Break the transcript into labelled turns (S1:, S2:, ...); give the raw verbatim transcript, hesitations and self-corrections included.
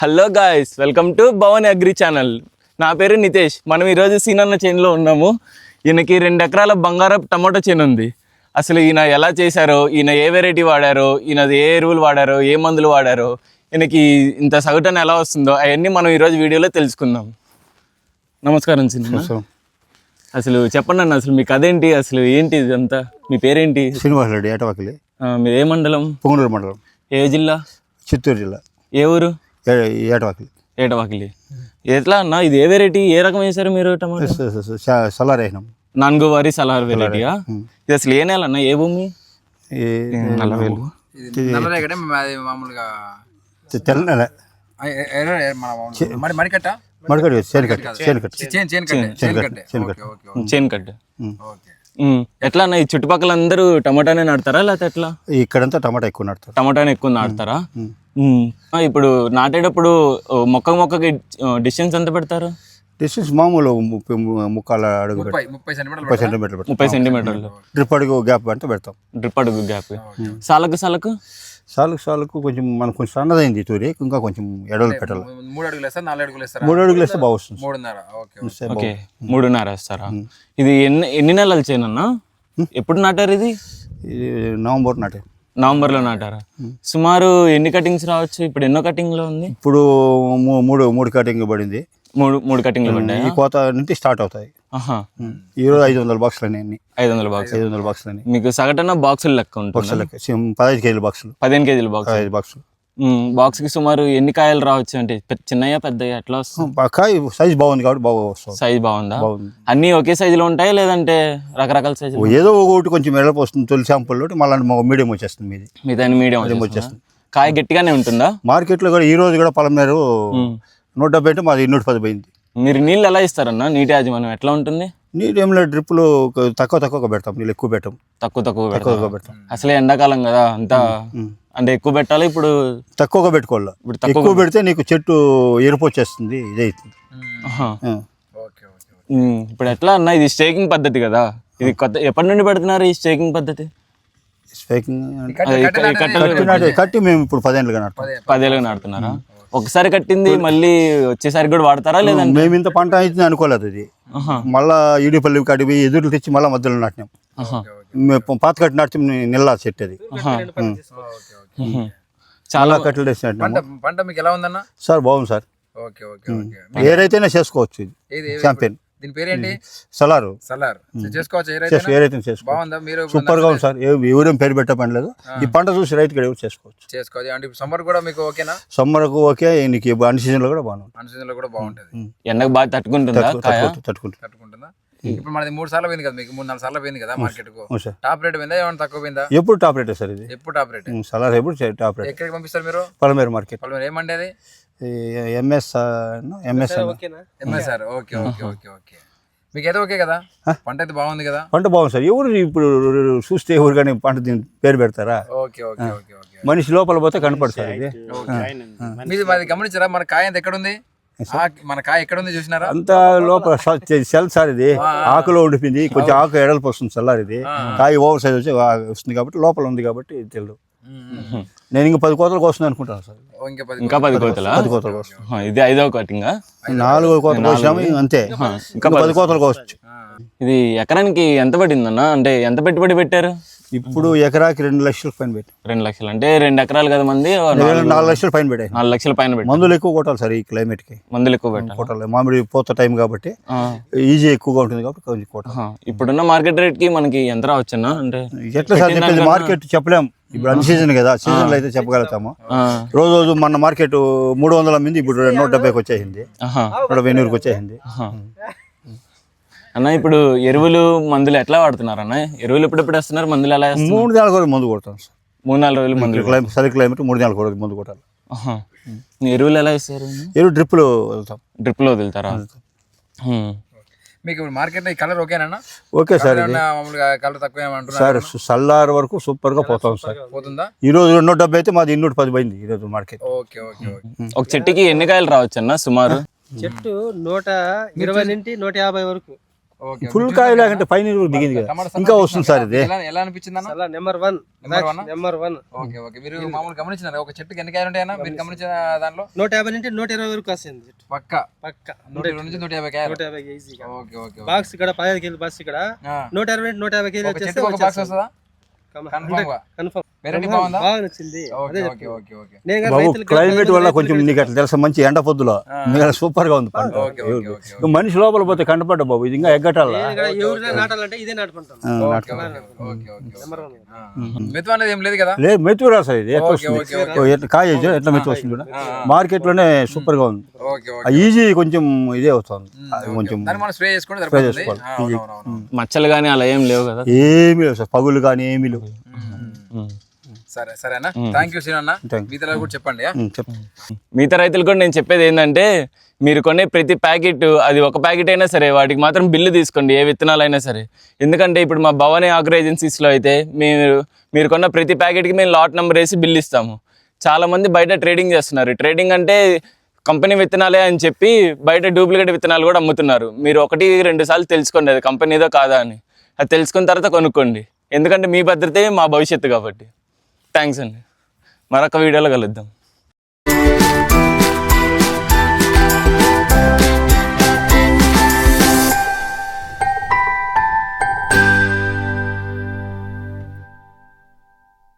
S1: Hello guys, welcome to Bhavan agri channel. నా పేరు నితేష్. మనం ఈరోజు సీనన్న చేనులో ఉన్నాము. ఈయనకి రెండు ఎకరాల బంగారపు టమాటో చేను ఉంది. అసలు ఈయన ఎలా చేశారో, ఈయన ఏ వెరైటీ వాడారో, ఈయన ఏ ఎరువులు వాడారో, ఏ మందులు వాడారో, ఈయనకి ఇంత సగటున ఎలా వస్తుందో అవన్నీ మనం ఈరోజు వీడియోలో తెలుసుకుందాం. నమస్కారం సీనన్న. అసలు చెప్పండి అన్న, అసలు మీకు అదేంటి, అసలు ఏంటి ఇదంతా? మీ పేరేంటి?
S2: శ్రీనివాస్ రెడ్డి, ఏటవాకిలి.
S1: మీరు ఏ మండలం?
S2: పొంగనూరు మండలం.
S1: ఏ జిల్లా?
S2: చిత్తూరు జిల్లా.
S1: ఏ ఊరు?
S2: ఏటవాకిలి.
S1: ఏటవాకిలి. ఎట్లా అన్న, ఇది ఏ వెరైటీ, ఏ రకం వేశారు మీరు టమాటో?
S2: సలార్ వేసినాం.
S1: నాలుగో వారి సలార్ వెరైటీయా? ఇది అసలు ఏ నెల అన్న, ఏ భూమి?
S2: నల్లవేలు. తెల్ల నెల.
S3: మడికట్ట
S2: మడికట్టు చేనుకట్టు చేనుకట్టు
S1: చేనుకట్టు. ఎట్లా అన్న, ఈ చుట్టుపక్కల అందరూ టమాటానే నాడతారా లేకపోతే ఎట్లా?
S2: ఇక్కడంతా టమాటా ఎక్కువ నాటుతారు.
S1: టమాటానే ఎక్కువ నాడతారా? ఇప్పుడు నాటేటప్పుడు మొక్క మొక్కకి డిస్టెన్స్ ఎంత పెడతారు?
S2: డిస్టెన్స్ మామూలు ముప్పై ముక్కాల అడుగు ముప్పై సెంటీమీటర్లు
S1: ముప్పై సెంటీమీటర్లు
S2: డ్రిప్ అడుగు గ్యాప్ అంటే పెడతాం.
S1: డ్రిప్ అడుగు గ్యాప్. సాలకు సాలకు
S2: సాలకు సాలకు కొంచెం మనకు కొంచెం సన్నదైంది తూరి, ఇంకా కొంచెం ఎడవలు పెట్టాలి.
S3: మూడు అడుగులు వేస్తారు, నాలుగు అడుగులు వేస్తారు.
S2: మూడు అడుగులు వేస్తే బాగా వస్తుంది.
S3: మూడున్నర.
S1: ఓకే, మూడున్నర వేస్తారా? ఇది ఎన్ని ఎన్ని నెలలు చేయనన్నా? ఎప్పుడు నాటారు ఇది?
S2: ఇది నవంబర్ నాటే.
S1: నవంబర్లో నాటారా? సుమారు ఎన్ని కటింగ్స్ రావచ్చు? ఇప్పుడు ఎన్నో కటింగ్ లో ఉంది?
S2: ఇప్పుడు మూడు మూడు కటింగ్ పడింది.
S1: మూడు మూడు కటింగ్లు పడ్డాయి.
S2: ఈ కోత నుంచి స్టార్ట్ అవుతాయి. ఈరోజు ఐదు వందల బాక్సులు అన్ని
S1: ఐదు వందల బాక్స్
S2: ఐదు వందల బాక్సులు అని
S1: మీకు సగటున బాక్సులు లెక్క ఉంటుంది.
S2: పదహైదు కేజీల బాక్సులు.
S1: పదిహేను కేజీల బాక్స్.
S2: ఐదు బాక్సులు.
S1: బాక్స్ కి సుమారు ఎన్ని కాయలు రావచ్చు? అంటే చిన్నయా పెద్దయా ఎట్లా వస్తుంది?
S2: కాయ సైజ్ బాగుంది కాబట్టి బాగా వస్తుంది.
S1: సైజ్ బాగుందా? అన్ని ఒకే సైజు లో ఉంటాయి లేదంటే రకరకాల సైజు?
S2: ఏదో ఒకటి కొంచెం ఎడపు వస్తుంది తొలి శాంపుల్, మళ్ళీ మీడియం వచ్చేస్తుంది. మీది
S1: మీది మీడియం వచ్చేస్తుంది. కాయ గట్టిగానే ఉంటుందా?
S2: మార్కెట్ లో కూడా ఈ రోజు కూడా పలమేరు నూట డెబ్బై అంటే మాది నూట పది పోయింది.
S1: మీరు నీళ్ళు ఎలా ఇస్తారన్నా? నీటి యాజమాన్యం ఎట్లా ఉంటుంది?
S2: నీళ్ళు ఏమిలో డ్రిప్పులు తక్కువ తక్కువ పెడతాం, నీళ్ళు ఎక్కువ పెట్టాం.
S1: తక్కువ తక్కువ పెడతాం. అసలే ఎండాకాలం కదా, అంతా అంటే ఎక్కువ పెట్టాలి. ఇప్పుడు తక్కువగా
S2: పెట్టుకోవాలి. ఇప్పుడు ఎక్కువ పెడితే నీకు చెట్టు ఎరుపు వచ్చేస్తుంది, ఇదే అవుతుంది.
S1: ఇప్పుడు ఎట్లా అన్న, ఇది స్టేకింగ్ పద్ధతి కదా, ఇది కొత్త ఎప్పటి నుండి పెడుతున్నారు ఈ స్టేకింగ్ పద్ధతి?
S2: కట్టి మేము ఇప్పుడు పదేళ్ళుగా నాటుతాం.
S1: పదేళ్ళుగా నాటుతున్నారా? ఒకసారి కట్టింది మళ్ళీ వచ్చేసరి కూడా వాడతారా? లేదా
S2: మేము ఇంత పంట అవుతుంది అనుకోలేదు. ఇది మళ్ళా ఈడిపల్లి కడిగి ఎదురు తెచ్చి మళ్ళీ మధ్యలో నాటినాం. పాత కట్టి నాటి నిల్లా చెట్టు అది. చాలా కట్టలు వేసి
S3: పంట మీకు ఎలా ఉందన్న?
S2: సార్ బాగుంది సార్. ఏరైతేనే చేసుకోవచ్చు. ఇది ఛాంపియన్.
S3: దీని పేరేంటి?
S2: సలారు.
S3: సలార్ చేసుకోవచ్చు.
S2: ఏరైతే బాగుందా? మీరు సూపర్ గా ఉంది సార్. ఎవరేం పేరు పెట్టే పని లేదు. ఈ పంట చూసి రైతు కూడా చేసుకోవచ్చు.
S3: చేసుకోవచ్చు. అంటే సమ్మర్ కూడా మీకు ఓకేనా?
S2: సమ్మర్ కు ఓకే. నీకు అన్ని సీజన్ లో కూడా బాగుంది.
S3: అన్ని సీజన్ లో కూడా బాగుంటది.
S1: ఎండకు బాగా తట్టుకుంటుందా?
S2: తట్టుకుంటుంది.
S3: తట్టుకుంటుందా? ఇప్పుడు మనది మూడు సార్లు పోయింది కదా, మీకు మూడు నాలుగు సార్లు పోయింది కదా మార్కెట్ కు. టాప్ రేట్ పోయిందా ఏమైనా తక్కువ పోయిందా?
S2: ఎప్పుడు టాప్ రేట్ సార్ ఇది.
S3: ఎప్పుడు టాప్ రేట్.
S2: సలార్ ఎప్పుడు టాప్ రేట్.
S3: ఎక్కడికి పంపిస్తారు మీరు?
S2: పలమేరు మార్కెట్.
S3: పలమేరు ఏమండి అది?
S2: MS MS
S3: MSR. Okay okay okay okay. మీకు అయితే ఓకే కదా? పంట అయితే బాగుంది కదా?
S2: పంట బాగుంది సార్. ఎవరు ఇప్పుడు చూస్తే ఎవరు కానీ పంట దీని పేరు పెడతారా?
S3: Okay okay okay okay.
S2: మనిషి లోపల పోతే కనపడతారు. ఇది
S3: మీరు మరి గమనించారా మన కాయ ఎంత ఎక్కడ ఉంది? మన కాయ ఎక్కడ ఉంది చూసినారా?
S2: అంత లోపల సెల్ సార్. ఇది ఆకులో ఉండిపోయింది. కొంచెం ఆకు ఎడల్పు వస్తుంది సల్లార్. ఇది కాయ ఓవర్ సైజ్ వచ్చి వస్తుంది కాబట్టి లోపల ఉంది కాబట్టి తెలియదు. నేను ఇంకా పది కోతలకు వస్తుంది అనుకుంటాను సార్.
S1: ఇంకా పది కోతల
S2: పది కోతలకు వస్తుంది.
S1: ఇది ఐదవ కటింగ్.
S2: నాలుగో కోతలు కోసాము అంతే. ఇంకా పది కోతలకు వస్తుంది.
S1: ఇది ఎకరానికి ఎంత పడిందన్న? అంటే ఎంత పెట్టుబడి పెట్టారు?
S2: ఇప్పుడు ఎకరాకి రెండు లక్షల పైన పెట్టి.
S1: రెండు లక్షలు అంటే రెండు ఎకరాలు కదా మంది.
S2: నాలుగు లక్షల పైన పెట్టాయి.
S1: నాలుగు లక్షల పైన పెట్టి.
S2: మందులు ఎక్కువ కొట్టాలి సార్. ఈ క్లైమేట్ కి
S1: మందులు ఎక్కువ పెట్టాలి.
S2: కొట్టాలి. మామిడి పోత టైం కాబట్టి ఈజీ ఎక్కువగా ఉంటుంది కాబట్టి కొంచెం కొట్టాలి.
S1: ఇప్పుడున్న మార్కెట్ రేట్ కి మనకి ఎంత రావచ్చన్నా? అంటే
S2: ఎట్లా సార్ చెప్పేది? మార్కెట్ చెప్పలేం. ఇప్పుడు అన్ని సీజన్ కదా, సీజన్ లో అయితే చెప్పగలుగుతాము. రోజు రోజు మన మార్కెట్ మూడు వందల మంది ఇప్పుడు నూట డెబ్బైకి వచ్చేసింది, నూట వెన్నూరుకి వచ్చేసింది.
S1: అన్న ఇప్పుడు ఎరువులు మందులు ఎట్లా వాడుతున్నారు అన్న? ఎరువులు ఎప్పుడెప్పుడు వేస్తున్నారు? మందులు ఎలా?
S2: మూడు నెలల రోజులు మందు కొడతాం సార్.
S1: మూడు నాలుగు రోజులు మందులు.
S2: క్లైమేట్ సరి క్లైమేట్ మూడు నెలల రోజులు మందు కొట్టాలి.
S1: ఎరువులు ఎలా ఇస్తారు?
S2: ఎరువు డ్రిప్లో వదులుతాం.
S1: డ్రిప్లో వదులుతారా?
S3: మీకు మార్కెట్ ఈ కలర్ ఓకేనా?
S2: Okay sir.
S3: కలర్ తక్కువ
S2: సార్ సల్లార్ వరకు సూపర్ గా పోతాం సార్.
S3: పోతుందా?
S2: ఈ రోజు రెండు డెబ్బై అయితే మాది ఇన్నూట పది పోయింది ఈ రోజు మార్కెట్.
S3: Okay okay okay.
S1: ఒక చెట్టుకి ఎన్ని కాయలు రావచ్చు అన్న సుమారు?
S4: చెట్టు నూట ఇరవై నుండి నూట యాభై వరకు.
S3: ఓకే
S2: ఫుల్ కాయ లేకంటే పైన దిగింది కదా
S3: టమాటా
S2: ఇంకా వస్తుంది సార్ ఇది.
S3: ఎలా ఎలా అనిపించింది అన్న
S4: చాలా number one
S3: number one
S4: number one
S3: okay okay మీరు మామూలు గమనించినారా ఒక చెట్టుకి ఎన్ని కాయలు ఉంటాయన్నా మీరు గమనించిన దాంట్లో
S4: నూట యాభై నుంచి నూట ఇరవై వరకు వస్తుంది చెట్టు.
S3: పక్క
S4: పక్క
S3: నూట ఇరవై నుంచి నూట యాభై కాయలు
S4: నూట యాభై ఈజీగా
S3: ఓకే ఓకే
S4: బాక్స్ ఇక్కడ పదిహేను కేజీ బాక్స్ ఇక్కడ
S3: ఆ.
S4: నూట ఇరవై నుంచి నూట యాభై కేజీ
S3: ఒక చెట్టుకి ఒక బాక్స్ వస్తుందా కన్ఫర్మ్ గా
S4: కన్ఫర్మ్
S3: వెరైటీ బాగుందా
S4: బాగా నచ్చింది.
S3: ఓకే ఓకే ఓకే ఓకే
S4: నేను కానీ
S2: బాబు
S4: రైతులకి
S2: క్లైమేట్ వల్ల కొంచెం నీకు అట్లా తెలుసా మంచి ఎండ పొద్దులో మీకు సూపర్ గా ఉంది పంట.
S3: ఓకే ఓకే ఓకే
S2: మనిషి లోపల పోతే కంటపడ్డ బాబు ఇది ఇంకా ఎగ్గటాల
S4: నేను ఇక్కడ ఎవరైనా నాటాలంటే ఇదే నాటుకుంటాం.
S3: Okay okay okay
S4: number one
S3: మెతువు అనేది ఏం లేదు కదా
S2: లేదు మెతుకు రాదు సార్ ఇది ఎట్లా
S3: ఓకే
S2: వస్తుంది
S3: ఓకే
S2: ఓ, ఎట్లా కాయ ఇది ఎట్లా మెతుకు వస్తుంది చూడ మార్కెట్ లోనే సూపర్ గా ఉంది.
S3: ఓకే ఓకే
S2: ఈజీ కొంచెం ఇదే అవుతుంది అది కొంచెం
S3: దాన్ని మనం స్ప్రే చేసుకుంటే సరిపోతుంది
S2: చేసుకోవాలి.
S3: ఆ, అవునవునవును.
S1: మచ్చలు కానీ అలా ఏం లేవు కదా.
S2: ఏమీ లేవు సార్ పగులు కానీ ఏమీ లేవు.
S3: సరే సరే అన్న థ్యాంక్ యూ సీనన్న
S2: Thank you.
S3: మిగతా కూడా చెప్పండి ఆ?
S2: ఉమ్, చెప్పు
S1: మిగతా రైతులు కూడా నేను చెప్పేది ఏంటంటే మీరు కొనే ప్రతి ప్యాకెట్ అది ఒక ప్యాకెట్ అయినా సరే వాటికి మాత్రం బిల్లు తీసుకోండి ఏ విత్తనాలు అయినా సరే. ఎందుకంటే ఇప్పుడు మా భవానీ ఆగ్రో ఏజెన్సీస్లో అయితే మీరు మీరు కొన్న ప్రతి ప్యాకెట్కి మేము లాట్ నెంబర్ వేసి బిల్ ఇస్తాము. చాలామంది బయట ట్రేడింగ్ చేస్తున్నారు. ట్రేడింగ్ అంటే కంపెనీ విత్తనాలే అని చెప్పి బయట డూప్లికేట్ విత్తనాలు కూడా అమ్ముతున్నారు. మీరు ఒకటి రెండు సార్లు తెలుసుకోండి అది కంపెనీదో కాదా అని. అది తెలుసుకున్న తర్వాత కొనుక్కోండి. ఎందుకంటే మీ భద్రతే మా భవిష్యత్తు కాబట్టి. థ్యాంక్స్ అండి. మరొక వీడియోలో కలుద్దాం.